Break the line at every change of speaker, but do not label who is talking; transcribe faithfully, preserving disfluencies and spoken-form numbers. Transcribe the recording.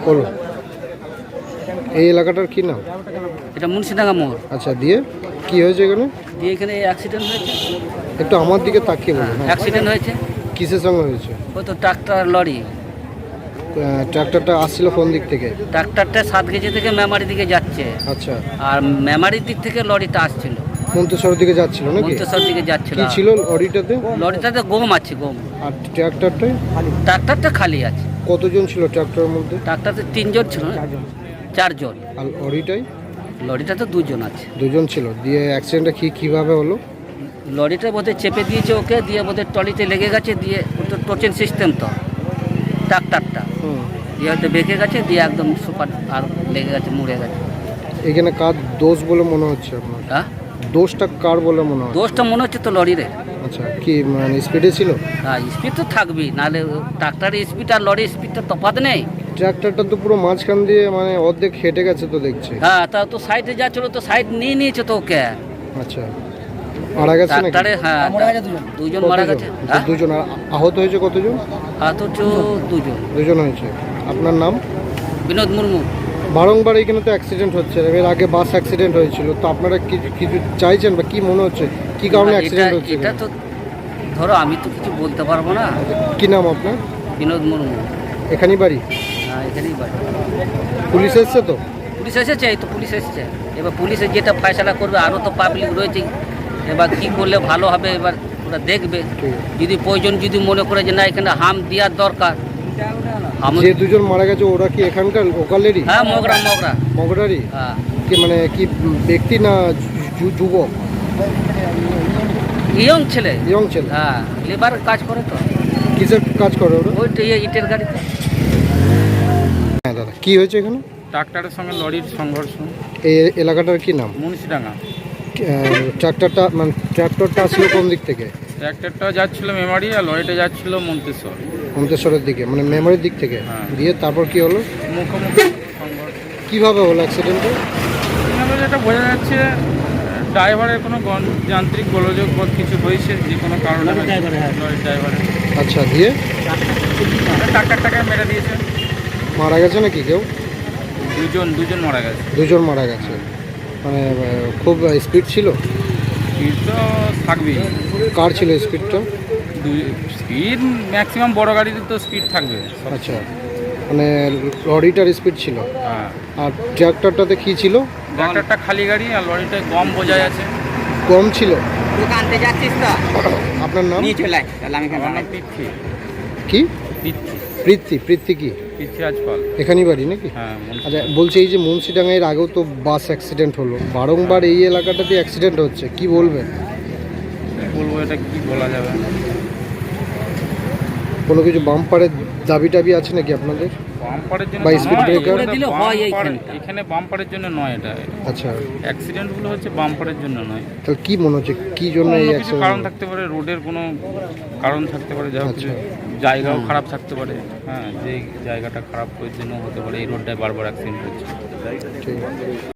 বলো, এই এলাকাটার কি নাম?
এটা মুন্সিডাঙ্গা মোড়।
আচ্ছা, দিয়ে কি হয়েছে এখানে?
দিয়ে এখানে অ্যাক্সিডেন্ট হয়েছে।
একটু আমার দিকে তাকিয়ে বলুন। হ্যাঁ,
অ্যাক্সিডেন্ট হয়েছে।
কিসের সঙ্গে হয়েছে?
ওই তো ট্রাক্টর লরি।
ট্রাক্টরটা আসছিল কোন দিক থেকে?
ট্রাক্টরটা সাত কেজি থেকে মেমারি দিকে যাচ্ছে।
আচ্ছা,
আর মেমারির দিক থেকে লরিটা আসছিল,
মন্তেশ্বরের দিকে যাচ্ছিল নাকি?
মন্তেশ্বর দিকে যাচ্ছিল।
কি ছিল লরিটাতে?
লরিটাতে গম আছে, গম।
আর ট্রাক্টরটাই?
ট্রাক্টরটা খালি আছে।
কতজন ছিল ট্রাক্টরের মধ্যে?
ট্রাক্টরতে তিনজন ছিল না, চারজন।
আর লরিটাই?
লরিটাতে দুজন আছে।
দুজন ছিল। দিয়ে অ্যাক্সিডেন্টটা কি কিভাবে হলো?
লরিটা বোধহয় চেপে দিয়েছে ওকে, দিয়ে বোধহয় টলিতে লেগে গেছে, দিয়ে তো টোচেন সিস্টেম তো ট্রাক্টরটা, দিয়ে হয়তো বেঁকে গেছে, দিয়ে একদম সুপার আর লেগে গেছে, মুড়ে গেছে।
এখানে কার দোষ বলে মনে হচ্ছে আপনার?
হ্যাঁ,
দোষটা কার বলে মনে হয়?
দোষটা মনে হচ্ছে তো লরিরে।
আচ্ছা, কি মানে স্পিডে ছিল?
হ্যাঁ, স্পিড তো থাকবেই, নাহলে ট্রাক্টরের স্পিড আর লরির স্পিডটা তফাৎ নেই।
ট্রাক্টরটা তো পুরো মাঝখান দিয়ে মানে অর্ধেক হেঁটে গেছে তো দেখছি।
হ্যাঁ, তা তো সাইডে যাচ্ছিল, তো সাইড নিয়ে নিয়েছে তো ওকে।
আচ্ছা, মারা গেছে নাকি?
ট্রাক্টরে হ্যাঁ দুজন মারা গেছে।
আচ্ছা, দুজন। আর আহত হয়েছে কতজন?
আহত হচ্ছে দুজন।
দুজন হয়েছে। আপনার নাম?
বিনোদ মুর্মু।
বারংবার এখানে তো অ্যাক্সিডেন্ট হচ্ছে, এর আগে বাস অ্যাক্সিডেন্ট হয়েছিল, তো আপনারা কিছু কিছু চাইছেন বা কি মনে হচ্ছে কি কারণে অ্যাক্সিডেন্ট হচ্ছে?
এটা তো ধরো আমি তো কিছু বলতে পারবো না।
কি নাম আপনার?
বিনোদ মুর্মু।
এখানেই বাড়ি?
হ্যাঁ, এখানেই বাড়ি।
পুলিশ এসছে তো?
পুলিশ এসেছে, এই তো পুলিশ এসেছে। এবার পুলিশের যেটা ফয়সালা করবে, আরও তো পাবলিক রয়েছে, এবার কী করলে ভালো হবে এবার ওরা দেখবে। যদি প্রয়োজন যদি মনে করে যে না এখানে হাম দেওয়ার দরকার।
যে দুজন মারা গেছে ওরা কি এখানকার লোকালেরই?
হ্যাঁ, মগরা মগরা
মগরারই?
হ্যাঁ।
কি মানে কি ব্যক্তি না যু- যুবক?
ইয়ং ছেলে।
ইয়ং ছেলে?
হ্যাঁ, লেবার কাজ করে তো।
কিসের কাজ করে ওরা?
ওই তো ইটের গাড়িতে।
হ্যাঁ দাদা, কি হয়েছে এখানে?
ট্রাক্টরের সঙ্গে লরির সংঘর্ষ।
এই এলাকাটার কি নাম?
মুন্সিডাঙ্গা।
ট্রাক্টরটা মানে ট্রাক্টরটা আসলে কোন দিক থেকে?
ট্রাক্টরটা যাচ্ছিল মেমারি আর লরিটা যাচ্ছিল মন্তেশ্বর।
মন্তেশ্বরের দিকে মানে মেমোরির দিক থেকে?
হ্যাঁ।
দিয়ে তারপর কি হলো?
মুখোমুখি সংঘর্ষ।
কিভাবে হলো অ্যাক্সিডেন্টটা?
এভাবে যেটা বোঝা যাচ্ছে ড্রাইভারের কোনো গণ- যান্ত্রিক গোলযোগ বা কিছু হয়েছে, যে কোনো কারণে লরির ড্রাইভারের।
আচ্ছা, দিয়ে
ট্রাক্টরটাকে মেরে দিয়েছে।
মারা গেছে নাকি কেউ?
দুজন দুজন মারা গেছে।
দুজন মারা গেছে। মানে আহ, খুব স্পিড ছিল?
স্পিড তো থাকবেই।
কার ছিল স্পিডটা?
স্পিড ম্যাক্সিমাম বড় গাড়িতে তো স্পিড থাকবে।
আচ্ছা, মানে লরিটার স্পিড ছিল।
হ্যাঁ।
আর ট্রাক্টরটাতে কি ছিল?
ট্রাক্টরটা খালি গাড়ি আর লরিটায় গম বোঝাই আছে।
কম ছিল।
দোকানতে যাচ্ছিস তো?
আপনার নাম?
নিয়ে চলে আয়, তাহলে আমি
আমার নাম পৃথ্বী।
কি?
পৃথ্বী
পৃথ্বী? পৃথ্বী কি
পৃথ্বী রাজপাল।
এখানেই বাড়ি নাকি?
হ্যাঁ।
আচ্ছা, বলছি এই যে মুন্সিডাঙ্গা এর আগেও তো বাস অ্যাক্সিডেন্ট হলো, বারংবার এই এলাকাটাতে অ্যাক্সিডেন্ট হচ্ছে, কি বলবেন?
কি বলবো, এটা কি বলা যাবে?
কোনো কিছু বাম্পারের দাবি টাবি আছে নাকি আপনাদের?
বাম্পারের জন্য
বা
নয়,
speed breaker?
এটা
দিলে হয়
বাম্পার-
এইখানটা।
এখানে বাম্পারের জন্য নয়, এটা
আচ্ছা,
অ্যাক্সিডেন্টগুলো হচ্ছে বাম্পারের জন্য নয়।
তাহলে কি মনে হচ্ছে কি জন্য এই
অন্য কিছু
অ্যাক্সিডেন্ট?
কারণ থাকতে পারে, রোডের কোনো কারণ থাকতে পারে, যা হোক
আচ্ছা।
জায়গাও খারাপ থাকতে পারে। হ্যাঁ, যে জায়গাটা খারাপ ওই জন্য হতে পারে এই রোডটায় বারবার অ্যাক্সিডেন্ট হচ্ছে।
ঠিক আছে।